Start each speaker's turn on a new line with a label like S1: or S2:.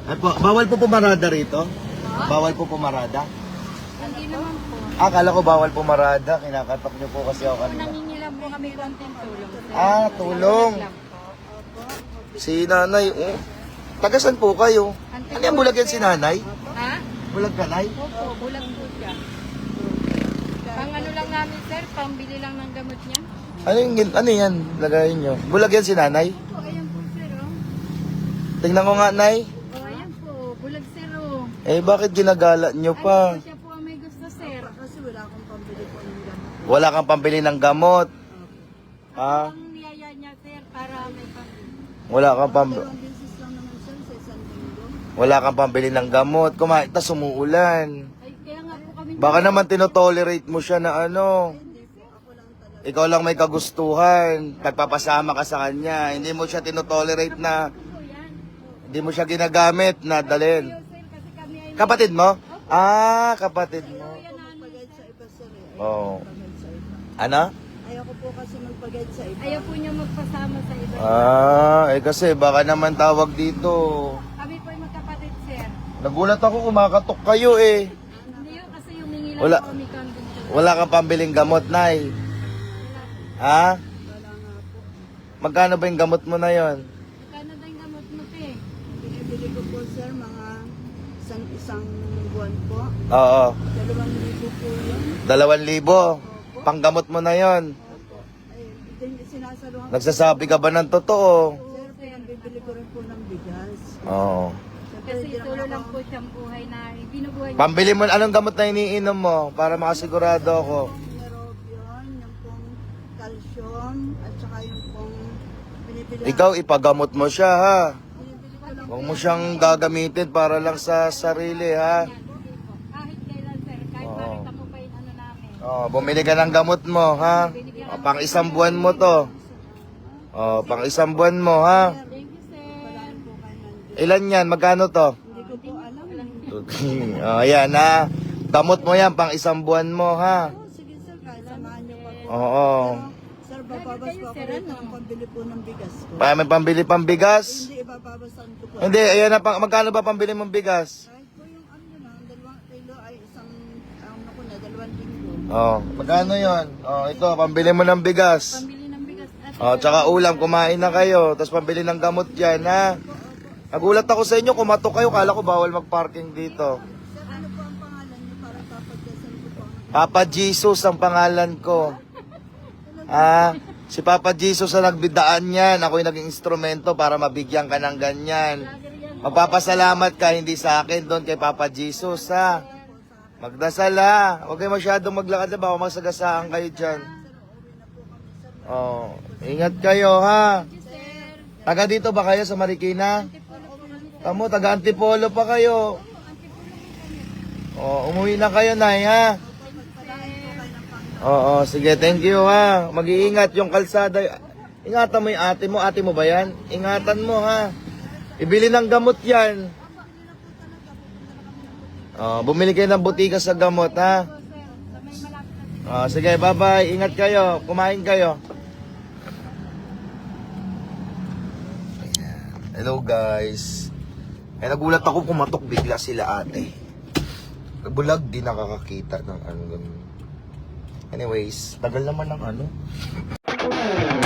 S1: Ay po, bawal po pumarada rito? Bawal po pumarada?
S2: Hindi naman po.
S1: Akala ko bawal pumarada. Kinakatok niyo po kasi ako kanina.
S2: Nangingi lang po kami konting tulong. Sir.
S1: Ah, tulong.
S2: Lang po.
S1: Si nanay, oh. Tagasan po kayo. Ano yung bulag yan si nanay?
S2: Ha?
S1: Bulag ka, nay?
S2: Opo, bulag po siya. Pang ano lang namin sir, pambili lang ng gamot niya.
S1: Ano yan? Lagayin nyo. Bulag yan si nanay?
S2: Po, ayan po sir oh.
S1: Tingnan ko nga, nay.
S2: Oh, ayan po, bulag sir oh.
S1: Eh, bakit ginagala nyo
S2: Ay,
S1: pa?
S2: po, siya po ang may gusto sir. Kasi wala akong pambili po ng gamot.
S1: Wala kang pambili ng gamot. Ah,
S2: Ang niyaya niya sir, para may pambili.
S1: wala kang pambili.
S2: Ang beses lang naman sir, sa isang linggo.
S1: Wala kang pambili ng gamot. Kumain, tas umuulan.
S2: Ay, kaya nga po kami.
S1: Baka naman tinotolerate mo siya na ano. Ikaw lang may kagustuhan. Nagpapasama ka sa kanya. Hindi mo siya tinotolerate na. Hindi mo siya ginagamit na dalhin.
S2: Sir, kasi kami ay
S1: Kapatid mo? Ah, kapatid mo.
S2: magpagayad sa iba sir eh.
S1: Oo. Ano?
S2: Ayoko po kasi magpagayad sa iba. Ayaw po niya magpasama sa iba.
S1: Ah, eh kasi baka naman tawag dito.
S2: Kami po ay magkapatid sir.
S1: Nagulat ako, kumakatok kayo eh.
S2: Hindi yun kasi humingi lang
S1: Wala.
S2: po kami kambing sir.
S1: Wala kang pambiling gamot, Nay. Ha?
S2: Wala nga po.
S1: Magkano ba yung gamot mo na yon?
S2: Magkano daw yung gamot mo te? Binibili ko po sir mga isang buwan po.
S1: Oo.
S2: 2,000 po yun.
S1: 2,000. Panggamot mo na yon.
S2: Opo. Ay, sinasaluhan ko.
S1: Nagsasabi ka ba ng totoo?
S2: Sir, pinambibili ko rin po ng bigas.
S1: Oo.
S2: Kasi tulo lang po siyang buhay na binubuhay niya.
S1: Pambili mo, anong gamot na iniinom mo para makasigurado ako?
S2: Neurobion, yung pong calcium, at saka yung pong binibili.
S1: Ikaw, ipagamot mo siya, ha?
S2: Binibili ko lang
S1: Huwag mo siyang gagamitin para lang sa sarili, ha?
S2: yan. Kahit kailan sir, kahit
S1: Oo.
S2: makita mo pa yung ano namin.
S1: Oh, bumili ka ng gamot mo, ha? O, pang isang buwan mo to. Oh, pang isang buwan mo, ha?
S2: Thank you sir.
S1: Ilan yan? Magkano to?
S2: Hindi ko po alam.
S1: Oh, ayan, ha? Gamot mo yan, pang isang buwan mo, ha?
S2: Sige sir, kahit samahan niyo pa po.
S1: Oo.
S2: Sir, bababas po ako dito ng pambili po ng bigas ko.
S1: May pambili pang bigas?
S2: Hindi, ibababasan ko po.
S1: Hindi, ayan na, magkano ba pambili mong bigas?
S2: Kahit po yung ano na, 2 kilo ay isang, ano ko na, 2 linggo.
S1: Oh, magkano yon? Oh, ito, pambili mo ng bigas.
S2: Pambili ng bigas at
S1: Oh, tsaka ulam, kumain na kayo. Tapos pambili ng gamot dyan, ha? Nagulat ako sa inyo, kumatok kayo. Kala ko bawal mag-parking dito.
S2: sir, ano po ang pangalan niyo para papagdasan ko po ang
S1: Papa Jesus ang pangalan ko. Ah, si Papa Jesus ang nagbidaan yan. Ako yung naging instrumento para mabigyan ka ng ganyan. Magpapasalamat ka, hindi sa akin, doon kay Papa Jesus, ha? Magdasal, ha? Huwag kayo masyadong maglakad na, baka masagasaan kayo dyan. Oh, ingat kayo, ha? Taga dito ba kayo sa Marikina? Tamo, taga Antipolo pa kayo. Oh, umuwi na kayo, Nay, ha? Oo, sige, thank you, ha? Mag-iingat yung kalsada. Ingatan mo yung ate mo ba yan? Ingatan mo, ha? Ibili ng gamot yan. Oh, bumili kayo ng butika sa gamot, ha? Oh, sige, bye-bye. Ingat kayo. Kumain kayo. Hello, guys. Eh, nagulat ako, kumatok bigla sila ate. Bulag, di nakakakita ng ano. Anyways, tagal naman ng ano.